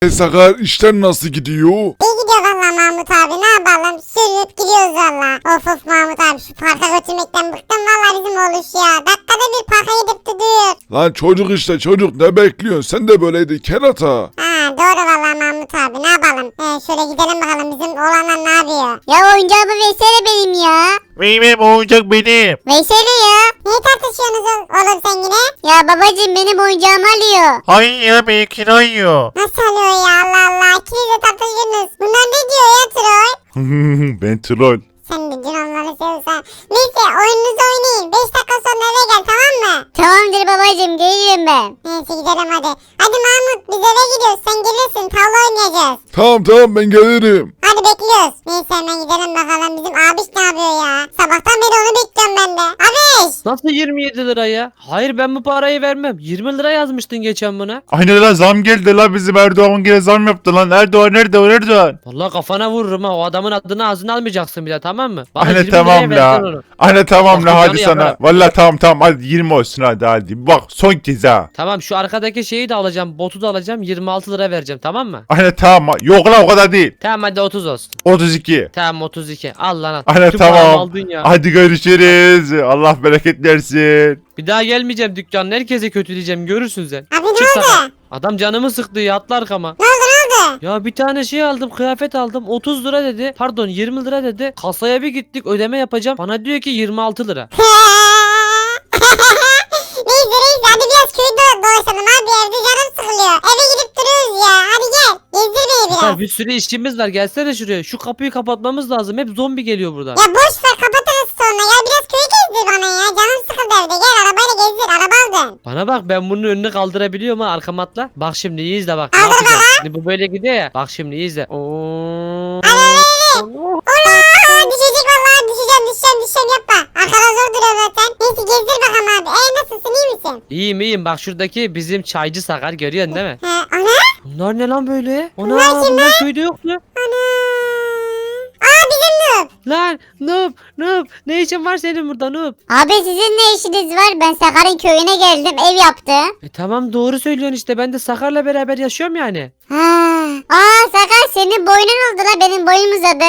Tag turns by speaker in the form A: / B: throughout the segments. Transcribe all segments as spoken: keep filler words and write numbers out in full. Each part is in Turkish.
A: E Sakar, işler nasıl gidiyor?
B: İyi gidiyor valla Mahmut abi, ne yapalım, sürüp gidiyoruz valla. Of of Mahmut abi, şu parka götürmekten bıktım valla bizim oğluş ya. Dakikada bir parka gidip duruyor.
A: Lan çocuk işte çocuk, ne bekliyorsun? Sen de böyleydi kerata.
B: Ha doğru valla Mahmut abi, ne yapalım. Ee, şöyle gidelim bakalım, bizim oğlanlar ne yapıyor?
C: Ya oyuncağımı versene benim ya.
D: Benim oyuncak benim.
C: Versene ya.
B: Niye tartışıyorsunuz o- oğlum sen yine?
C: Ya babacığım benim oyuncağımı alıyor.
D: Hayır ya benimkini ayıyor.
B: Nasıl alıyor ya, Allah Allah, ikiniz de tartışıyorsunuz. Bunlar ne diyor ya Troy?
A: Ben troll.
B: Sen de dün onları seviyorsan. Neyse oyununuzu oynayın, beş dakika sonra eve gel, tamam mı?
C: Tamamdır babacığım, geliyorum ben.
B: Neyse gidelim hadi. Hadi Mahmut, biz eve gidiyoruz, sen gelirsin, tavla oynayacağız.
A: Tamam tamam, ben gelirim.
B: Hadi bekliyoruz. Neyse hemen gidelim bakalım, bizim abiş ne yapıyor ya? Sabahtan beri onu bekliyorum ben de. Abiş!
E: Nasıl yirmi yedi lira ya? Hayır ben bu parayı vermem. yirmi lira yazmıştın geçen buna.
D: Aynen lan, zam geldi lan, bizim Erdoğan gene zam yaptı lan. Erdoğan Erdoğan Erdoğan.
E: Vallahi kafana vururum ha. O adamın adını ağzına almayacaksın bir daha, tamam mı? Bana
D: Aynen
E: yirmi
D: tamam
E: liraya
D: la.
E: versen onu.
D: Aynen tamam la,
E: Bak,
D: hadi
E: canı
D: sana.
E: yakarım.
D: Vallahi tamam tamam, hadi yirmi olsun, hadi hadi. Bak son kez ha.
E: Tamam, şu arkadaki şeyi de alacağım. Botu da alacağım. yirmi altı lira vereceğim, tamam mı?
D: Aynen tamam. Yok lan, o kadar değil.
E: Tamam hadi otuz olsun.
D: otuz iki.
E: Tamam otuz iki. Al lan al.
D: Aynen
E: Tüm paramı
D: tamam.
E: aldın ya.
D: Hadi görüşürüz. Allah bereket versin.
E: Bir daha gelmeyeceğim dükkanına. Herkese kötüleyeceğim. Görürsün sen.
B: Abi ne
E: Çık
B: oldu?
E: sana. Adam canımı sıktı ya, atla arkama.
B: Ne oldu ne oldu?
E: Ya bir tane şey aldım, kıyafet aldım, otuz lira dedi, pardon yirmi lira dedi. Kasaya bir gittik, ödeme yapacağım, bana diyor ki yirmi altı lira.
B: Neyse neyse, hadi biraz köyü do dolaşalım abi, evde canım sıkılıyor. Eve gidip duruyoruz ya, hadi gel. Gezdir beni biraz.
E: Sakar, bir sürü işimiz var, gelsene şuraya, şu kapıyı kapatmamız lazım, hep zombi geliyor buradan.
B: Ya boş ver, kapatırız sonra ya, biraz köyü gezdir bana ya. Canım sıkıldı evde, gel arabayla gezdir, araba aldın.
E: Bana bak, ben bunun önünü kaldırabiliyorum ha, arkama atla. Bak şimdi iyi izle bak, ne
B: Kaldır
E: yapacağım. Şimdi bu böyle gidiyor ya, bak şimdi iyi izle. Oo.
B: Ola düşecek vallahi, düşeceğim düşeceğim düşeceğim, yapma. Arkada zor duruyor zaten. Neyse gezdir bakalım abi. E nasılsın, iyi misin?
E: İyiyim iyiyim, bak şuradaki bizim çaycı Sakar, görüyorsun değil mi?
B: He ana.
E: Bunlar ne lan böyle? Ana
B: Bunlar kim
E: bunlar köyde yoktu.
B: Ana. Aa bizim Noob.
E: Lan Noob Noob, ne işin var senin burada Noob?
C: Abi sizin ne işiniz var? Ben Sakar'ın köyüne geldim, ev yaptı.
E: E tamam, doğru söylüyorsun işte, ben de Sakar'la beraber yaşıyorum yani.
C: Ha. Aa Sakar, senin boynun oldu la, benim boynum uzadı.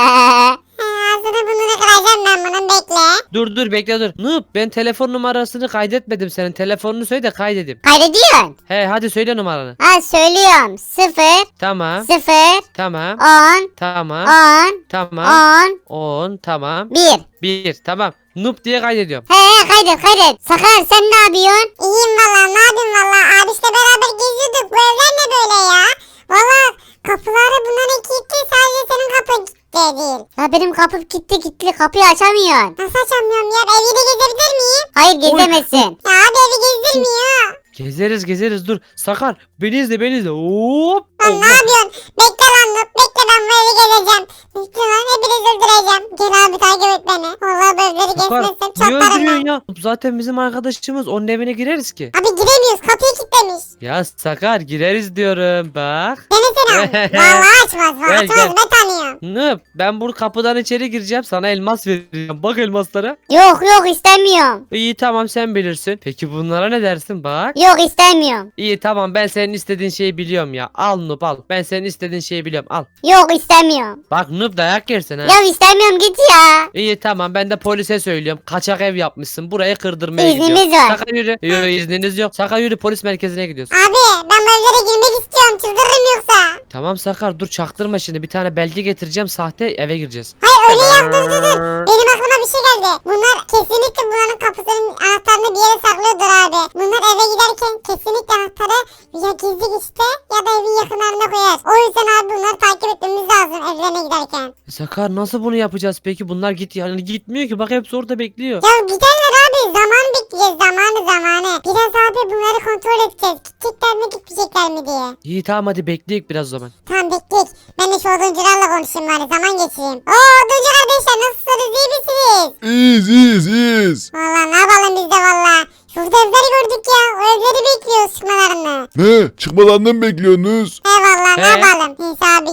B: He, ağzını burnunu kıracağım ben bunun, bekle.
E: Dur dur bekle dur. Noob, ben telefon numarasını kaydetmedim senin. Telefonunu söyle de kaydedeyim.
C: Kaydediyorsun.
E: He hadi söyle numaranı.
C: Ha söylüyorum. Sıfır.
E: Tamam.
C: Sıfır.
E: Tamam.
C: On.
E: Tamam.
C: On.
E: Tamam.
C: On.
E: on. Tamam.
C: Bir.
E: bir. Tamam. Noob diye kaydediyorum.
C: He he, kaydet kaydet. Sakar sen ne yapıyorsun?
B: İyiyim valla, ne yapayım valla. Abişle beraber geziyorduk, bu evler ne böyle ya? Valla kapıları bunların kilitli, sadece senin kapın kilitli değil.
C: La benim kapım kilitli kilitli, kapıyı açamıyorsun.
B: Nasıl açamıyorum ya? Evi de gezebilir miyim?
C: Hayır gezemezsin.
B: Ya abi evi gezdirmiyor.
E: Gezeriz gezeriz dur. Sakar beni izle beni izle. Hop.
B: Lan ne
E: Allah.
B: yapıyorsun? Bekle lan Noob, bekle, ben bu evi gezeceğim. Bekle lan, hepinizi öldüreceğim. Gel abi takip et beni. Valla bu evleri
E: Sakar
B: gezmezsem
E: niye
B: çatlarım
E: öldürüyorsun
B: ben.
E: ya? Noob zaten bizim arkadaşımız, onun evine gireriz ki.
B: Abi giremiyoruz, kapıyı kilitlemiş.
E: Ya Sakar gireriz diyorum bak.
B: Denesene abi. Valla açmaz,
E: Gel,
B: açmaz,
E: gel.
B: ben tanıyorum.
E: Noob ben bu kapıdan içeri gireceğim, sana elmas vereceğim. Bak elmaslara.
C: Yok yok istemiyorum.
E: İyi tamam, sen bilirsin. Peki bunlara ne dersin bak?
C: Yok istemiyorum.
E: İyi tamam, ben senin istediğin şeyi biliyorum ya. Al Noob al. Ben senin istediğin şeyi biliyorum, al.
C: Yok istemiyorum.
E: Bak Noob dayak yersin ha.
C: Ya istemiyorum, git ya.
E: İyi tamam, ben de polise söylüyorum. Kaçak ev yapmışsın. Burayı kırdırmaya
C: İznimiz
E: gidiyorum.
C: var.
E: Saka yürü. Yok izniniz yok. Saka yürü, polis merkezine gidiyoruz.
B: Abi ben bu evlere girmek istiyorum, çıldırırım yoksa.
E: Tamam Sakar dur, çaktırma şimdi. Bir tane belge getireceğim, sahte, eve gireceğiz.
B: Hayır öyle yap, dur dur dur. Benim aklıma bir şey geldi. Bunlar kesinlikle bunların kapısının anahtarını bir yere saklıyordur abi. Bunlar eve giderken kesinlikle anahtarı ya gizli geçte ya da evin yakınlarına koyar. O yüzden abi bunları takip etmemiz lazım evlerine giderken.
E: Sakar nasıl bunu yapacağız peki? Bunlar git yani gitmiyor ki. Bak hepsi orada bekliyor.
B: Ya giderler abi, zaman bekleyeceğiz, zamanı zamanı. Biraz abi bunları kontrol edeceğiz. Gidecekler mi gitmeyecekler mi diye.
E: İyi tamam, hadi bekleyek biraz o zaman.
B: Tamam bekleyek. Ben de şu oduncularla konuşayım bari, zaman geçireyim. Oo oduncu kardeşler, nasılsınız, iyi misiniz?
A: İyiyiz iyiyiz iyiyiz.
B: Valla ne yapalım biz de valla. Şurada evleri gördük ya. O evleri bekliyoruz çıkmalarını.
A: Ne? Çıkmalarını mı bekliyorsunuz?
B: Eyvallah ne
E: He?
B: yapalım. Neyse abi gel.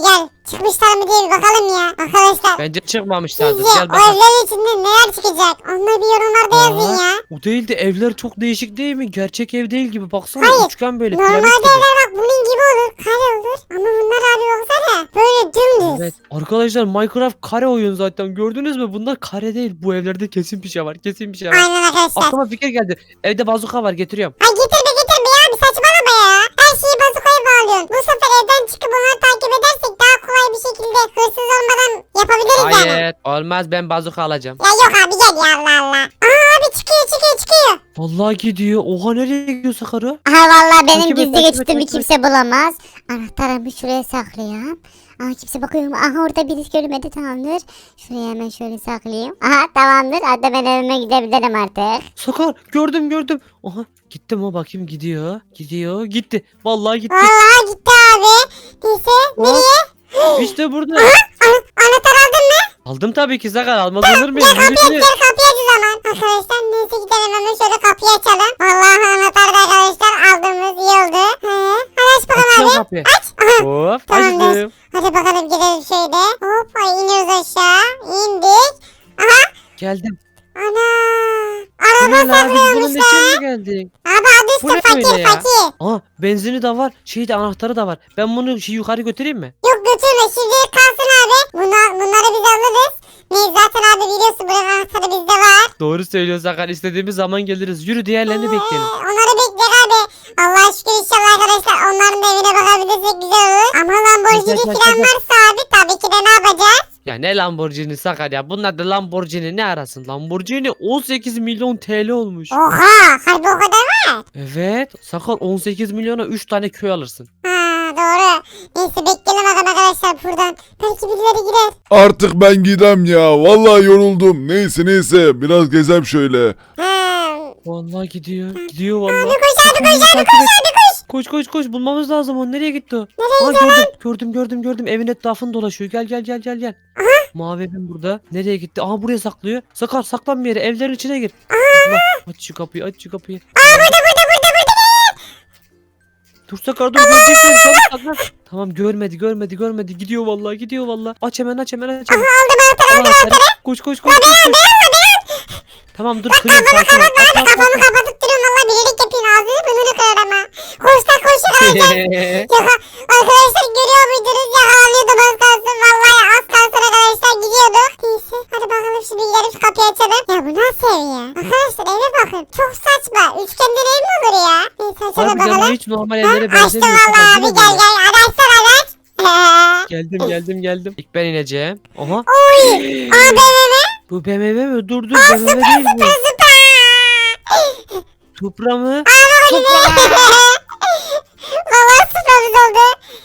B: çıkmışlar mı diye bir bakalım ya. Arkadaşlar.
E: Bence çıkmamışlardır.
B: Sizce
E: Gel
B: o
E: bakalım.
B: evlerin içinde neler çıkacak? Onları bir yorumlarda yazın
E: Aa,
B: ya.
E: O değil de evler çok değişik değil mi? Gerçek ev değil gibi. Baksana
B: Hayır,
E: üçgen böyle.
B: Normalde
E: piramit gibi.
B: evler bak bunun gibi olur. Kare olur. Ama bunlar abi baksana. Böyle dümdüz.
E: Evet. Arkadaşlar Minecraft kare oyun zaten. Gördünüz mü? Bunlar kare değil. Bu evlerde kesin bir şey var. Kesin bir şey var.
B: Aynen arkadaşlar.
E: Aklıma fikir geldi. Evde bazuka var, getiriyorum.
B: Ay getirme getirme ya. Bir saçmalama ya. Her şeyi bazukaya bağlıyorsun. Bu sefer evden çıkıp onları takip edersek daha kolay bir şekilde hırsız olmadan yapabiliriz yani.
E: Hayır. Olmaz, ben bazuka alacağım.
B: Ya yok abi gel ya Allah Allah. Aa abi çıkıyor çıkıyor çıkıyor.
E: Vallahi gidiyor. Oha, nereye gidiyor Sakarı?
C: Aha vallahi benim
E: Takip et,
C: gizli
E: takip et,
C: geçitimi
E: takip et.
C: kimse bulamaz. Anahtarımı şuraya saklayayım. Aha kimse bakıyorum. Aha orada birisi görmedi, tamamdır. Şuraya hemen şöyle saklayayım. Aha tamamdır. Hatta ben evime gidebilirim artık.
E: Sakar, gördüm gördüm. Oha, gittim o, bakayım gidiyor. Gidiyor, gitti. Vallahi gitti.
B: Vallahi gitti abi. Neyse nereye?
E: İşte burada.
B: An- anahtar aldın mı?
E: Aldım tabii ki Sakar, almaz olur muyum?
B: Gel kapıyı aç
E: Yürü, yürü.
B: gel kapıyı aç o zaman. Arkadaşlar neyse gidelim hemen şöyle kapıyı açalım. Vallahi anahtar da arkadaşlar aldığımız iyi oldu. He. Hadi aç bakalım
E: Açıyorum
B: abi.
E: kapıyı.
B: Aç. Aha.
E: Hop,
B: Tamamdır.
E: açtım.
B: Hadi bakalım gidelim şöyle. Hop ay iniyoruz aşağı. İndik. Aha.
E: Geldim.
B: Ana.
E: Bu
B: Araba
E: ne lan? Biz bunun
B: saklıyormuş
E: için
B: lan.
E: mi geldik?
B: Abi adı
E: Bu ne
B: üstü fakir
E: böyle ya?
B: fakir.
E: Aa, benzini de var. Şeyi de, anahtarı da var. Ben bunu şey yukarı götüreyim mi?
B: Yok götürme şimdilik kalsın abi. Bunlar, bunları biz alırız. Neyse zaten abi biliyorsun buranın anahtarı bizde var.
E: Doğru söylüyor Sakar. İstediğimiz zaman geliriz. Yürü, diğerlerini
B: Ee,
E: bekleyelim.
B: Onları bekleyelim abi. Allah'a şükür inşallah arkadaşlar onların da evine bakabilirsek güzel olur. Ama Lamborghini
E: Güzel, güzel,
B: falan
E: güzel.
B: varsa abi tabii ki de ne yapacağız?
E: Ya ne Lamborghini Sakar ya. Bunlar da Lamborghini ne arasın? Lamborghini on sekiz milyon T L olmuş.
B: Oha harbi o kadar var.
E: Evet. Sakar, on sekiz milyona üç tane köy alırsın.
B: Ha doğru. Neyse bekleyelim bakalım arkadaşlar buradan. Belki birileri girer.
A: Artık ben gidem ya. Vallahi yoruldum. Neyse neyse biraz gezem şöyle.
B: Ha.
E: Vallahi gidiyor. Gidiyor vallahi.
B: Abi koş abi koş abi
E: Takip
B: koş
E: et.
B: abi koş.
E: Koş koş koş, bulmamız lazım onu. Nereye gitti o?
B: Nereye
E: Aa,
B: gidiyor
E: gördüm, gördüm gördüm gördüm. Evin etrafını dolaşıyor. Gel gel gel gel gel. Mavi evim burada. Nereye gitti? Aha, buraya saklıyor. Sakar, saklan bir yere. Evlerin içine gir. Allah, aç şu kapıyı, aç şu kapıyı.
B: Aa burada burada burada burada.
E: Dur Sakar, dur, görecek seni. Çabuk saklan. Tamam, görmedi görmedi görmedi. Gidiyor vallahi, gidiyor vallahi. Aç hemen, aç hemen, aç hemen.
B: Aldım anahtarı
E: Al anahtarı. Koş koş koş koş. koş. Tamam dur, kırıyorum, sakin ol. Aç, aç, aç,
B: kafamı
E: aç.
B: kapatıp duruyorum valla bilerek yapayım ağzını burnunu kırar ama. Koş lan koş arkadaşlar. Yaka, arkadaşlar görüyor muydunuz yakalanıyordum az kalsın vallahi az kalsın arkadaşlar gidiyorduk. Neyse hadi bakalım şimdi gidelim şu kapıyı açalım. Ya bu nasıl ev ya? Arkadaşlar eve bakın çok saçma. Üçgenden ev mi olur ya? Neyse açalım
E: Harbiden bu
B: bakalım.
E: hiç normal
B: Ha,
E: evlere
B: açtım
E: benzemiyor.
B: valla
E: Sakar,
B: abi
E: değil mi
B: gel
E: bu?
B: gel araçlar araç.
E: Geldim geldim geldim. İlk ben ineceğim. Aha.
B: Oy. Aa B M W.
E: Bu B M W mi? Dur dur, B M W değil bu.
B: Süper.
E: Supra mı?
B: Valla süperimiz oldu.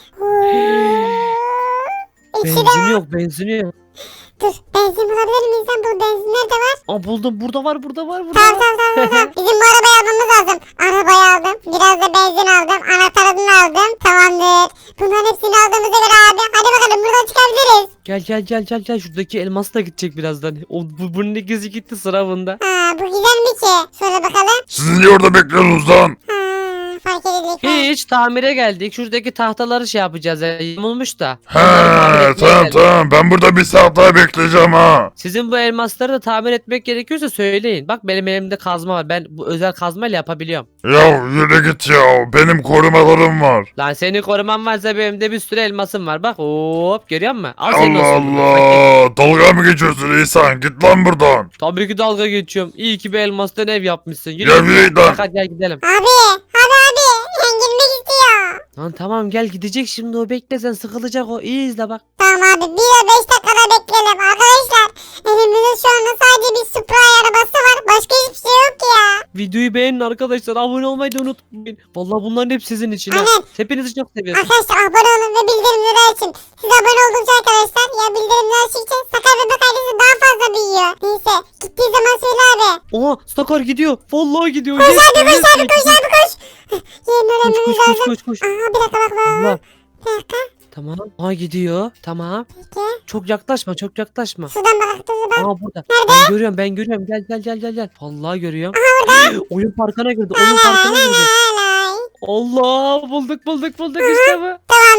B: İçi de
E: Benzini yok, benzini yok.
B: dur benzin bulabilir miyiz lan bu benzin nerede var?
E: Aa, buldum, burada var, burada var, burada
B: Tamam
E: var.
B: tamam tamam tamam. Bizim bu arabayı almamız lazım. Arabayı aldım. Biraz da benzin aldım. Anahtarını aldım. Tamamdır. Bunların hepsini aldığımıza göre abi. Hadi bakalım buradan çıkabiliriz.
E: Gel gel gel gel gel, şuradaki elmas da gidecek birazdan. O, bu, bunun ikisi gitti sıra bunda.
B: Ha bu güzel mi ki? Şöyle bakalım.
A: Siz niye orada bekliyorsunuz lan?
B: Ha fark edildik.
E: Hiç, tamire geldik. Şuradaki tahtaları şey yapacağız. Ya, yamulmuş da.
A: He
E: Onları tamir etmeye
A: tamam
E: geldik.
A: tamam ben burada bir saat daha bekleyeceğim ha.
E: Sizin bu elmasları da tamir etmek gerekiyorsa söyleyin. Bak benim elimde kazma var. Ben bu özel kazmayla yapabiliyorum.
A: Ya yürü git ya benim korumalarım var.
E: Lan senin koruman varsa benim de bir sürü elmasım var. Bak hop, görüyor musun? Al senin
A: Allah
E: olsun. Bak,
A: Allah dalga mı geçiyorsun İhsan git lan buradan.
E: tabii ki dalga geçiyorum. İyi ki bir elmastan ev yapmışsın. Yürü,
A: Ya
E: yürü.
A: yürü lan.
E: Hadi gel gidelim.
B: Abi abi abi. Ben girmek istiyor.
E: Lan tamam, gel, gidecek şimdi o, bekle sen, sıkılacak o. İyi izle bak.
B: Tamam abi bir ve beş dakikada bekleyelim arkadaşlar. Elimizde şu anda sadece bir Supra arabası var. Başka hiçbir şey yok ki ya.
E: Videoyu beğenin arkadaşlar. Abone olmayı da unutmayın. Vallahi bunların hep sizin için ha.
B: Aynen.
E: Hepinizi çok seviyorum.
B: Arkadaşlar abone olun ve bildirimleri açın. Siz abone oldukça arkadaşlar ya bildirimleri açtıkça Sakar Bebek ailesi daha fazla büyüyor. Neyse gittiği zaman söyle abi.
E: Oha, Sakar gidiyor. Vallahi gidiyor.
B: Koş
E: Yes,
B: abi
E: yes,
B: koş abi
E: yes.
B: koş abi koş. Yerini
E: Koş
B: öğrenmemiz
E: koş koş
B: lazım.
E: koş koş.
B: Aha bir dakika bak bak.
E: Allah.
B: Bir dakika.
E: Tamam. Aa, gidiyor. Tamam.
B: Peki.
E: Çok yaklaşma, çok yaklaşma.
B: Şuradan bak dur bak.
E: Aa, burada. Ben görüyorum, ben görüyorum. Gel gel gel gel gel. Vallahi görüyorum. Oyun parkına girdi. Oyun parkına girdi.
B: Alay.
E: Allah, bulduk bulduk bulduk işte bu.
B: Tamamdır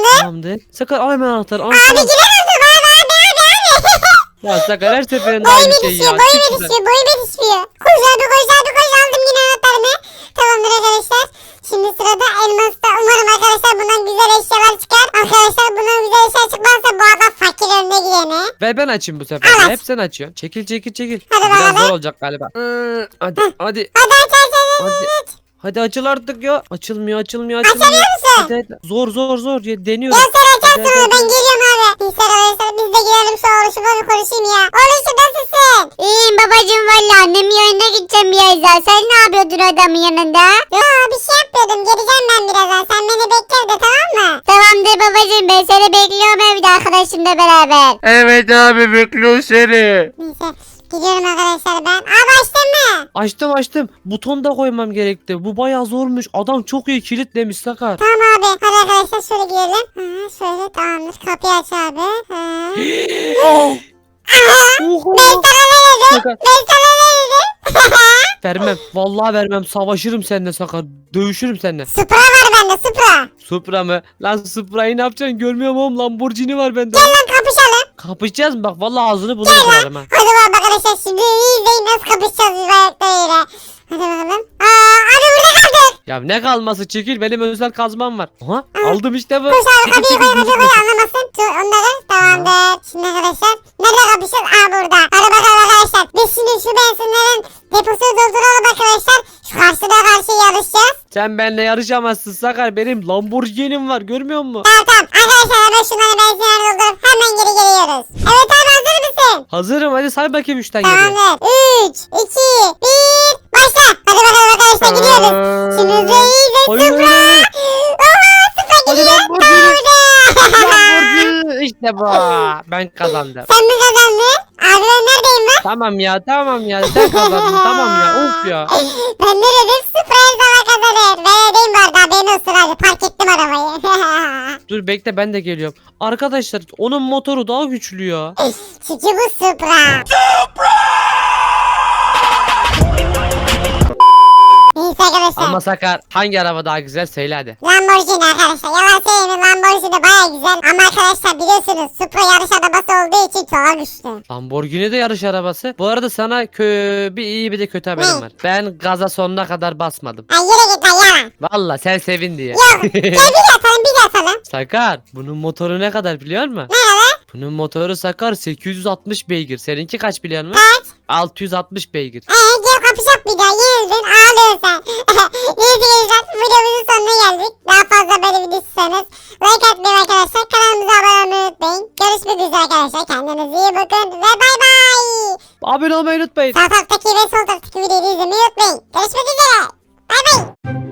B: Tamamdır.
E: Tamamdır. Sakar al hemen anahtarı. Al,
B: Abi
E: tamam.
B: giremezdim abi abi abi abi.
E: Ya Sakar her seferinde
B: Boyum
E: aynı şey
B: yetişiyor
E: ya.
B: boyum
E: Çık şuradan.
B: yetişiyor boyum yetişiyor. Koş abi koş abi koş aldım yine anahtarını. Tamamdır arkadaşlar. Şimdi sırada elmasta. Umarım arkadaşlar bundan güzel eşyalar çıkar. Arkadaşlar bundan güzel eşya çıkmazsa bu adam fakir önüne gidene.
E: Ver ben açayım bu sefer.
B: Evet.
E: Hep sen açıyorsun. Çekil çekil çekil.
B: Hadi
E: Biraz
B: bakalım.
E: zor olacak galiba. Hı, Hadi hadi.
B: Hadi aç aç aç.
E: Hadi. Hadi açıl artık ya. Açılmıyor açılmıyor açılmıyor.
B: Açamıyor musun?
E: Hadi, hadi. Zor zor zor. Ya, deniyorum.
B: Ya sen açarsın
E: Hadi,
B: onu
E: hadi,
B: ben
E: hadi.
B: geliyorum abi. Neyse arkadaşlar biz de girelim şu oluşuma bir konuşayım ya. Oluşum nasılsın?
C: İyiyim babacığım valla annemin yanına gideceğim birazdan. Sen ne yapıyordun adamın yanında?
B: Ya bir şey yapıyordum geleceğim ben birazdan. Sen beni bekle de tamam mı?
C: Tamamdır babacığım ben seni bekliyorum evde arkadaşımla beraber.
D: Evet abi bekliyor seni.
B: Neyse gidiyorum arkadaşlar ben. Abi açtın mı?
E: Açtım açtım. Buton da koymam gerekti. Bu bayağı zormuş. Adam çok iyi kilitlemiş Sakar.
B: Tamam abi. Hadi arkadaşlar şöyle girelim. Ha, şöyle tamamdır. Kapıyı aç abi. Ha.
E: Oha.
B: Ben sana ne dedim?
E: Sakar.
B: Ben sana ne dedim?
E: Vermem. Vallahi vermem. Savaşırım seninle Sakar. Dövüşürüm seninle.
B: Supra var bende Supra.
E: Supra mı? Lan Supra'yı ne yapacaksın? Görmüyorum oğlum. Lamborghini var bende.
B: Gel lan kapışalım.
E: Kapışacağız mı? Bak vallahi ağzını buna kırarım ha.
B: Hadi bakalım arkadaşlar şimdi iyi izleyin nasıl kapışacağız biz ayaklarıyla. Hadi bakalım. Aa, abi burada kaldık.
E: Ya ne kalması çekil. Benim özel kazmam var. Aha aldım işte bu.
B: Koş abi
E: Çekil,
B: kapıyı
E: çekil,
B: koy kapıyı koy
E: gözükmesin.
B: anlamasın. Dur onları tamamdır. Şimdi arkadaşlar nerede kapışacağız? Aa burada. Hadi bakalım arkadaşlar. Biz şimdi şu benzinlerin deposunu dolduralım arkadaşlar. Şu karşıda karşıya yarışacağız.
E: Sen benimle yarışamazsın Sakar. Benim Lamborghini'm var. Görmüyor musun?
B: Tamam tamam. Arkadaşlar hemen şunları benzinleri doldurup hemen geri geliyoruz. Evet abi hazır mısın?
E: Hazırım. Hadi say bakayım üçten geriye.
B: Tamamdır. üç, iki, bir, başla. Hadi bakalım arkadaşlar gidiyoruz. Şimdi hızlı iyiyiz.
E: Hayır,
B: Supra.
E: hayır,
B: Oha Supra
E: Hadi
B: gidiyor.
E: Lamborghini.
B: Tamam.
E: Lamborghini. İşte bu. Ben kazandım.
B: Sen mi kazandın? Abi ben neredeyim ben?
E: Tamam ya tamam ya. Sen kazandın. Tamam ya. Of ya.
B: Ben ne dedim? Supra her zaman kazanır. Ben ödeyim bu arada. Haberin olsun hadi. Park ettim arabayı.
E: Dur bekle ben de geliyorum. Arkadaşlar onun motoru daha güçlü ya.
B: Çünkü bu Supra. Neyse arkadaşlar.
E: Ama Sakar hangi araba daha güzel söyle hadi.
B: Lamborghini arkadaşlar. Yalan söyleyeyim Lamborghini baya güzel. Ama arkadaşlar biliyorsunuz Supra yarış arabası olduğu için çok güçlü.
E: Lamborghini de yarış arabası. Bu arada sana kö bir iyi bir de kötü haberim var. Ben gaza sonuna kadar basmadım.
B: Ay yürü git lan yalan.
E: Valla sen sevin diye.
B: Yok. Gel bir de atalım bir de atalım.
E: Sakar bunun motoru ne kadar biliyor musun?
B: Ne lan?
E: Bunun motoru Sakar sekiz yüz altmış beygir. Seninki kaç biliyor musun?
B: Kaç?
E: altı yüz altmış beygir.
B: Eee gel kapışak bir daha. Yenildin ağlıyorsun sen. Neyse gençler videomuzun sonuna geldik. Daha fazla böyle video istiyorsanız like atmayı arkadaşlar. Kanalımıza abone olmayı unutmayın. Görüşmek üzere arkadaşlar. Kendinize iyi bakın ve bay bay.
E: Abone olmayı unutmayın.
B: Sağ taraftaki ve sol taraftaki videoyu izlemeyi unutmayın. Görüşmek üzere. Bay bay.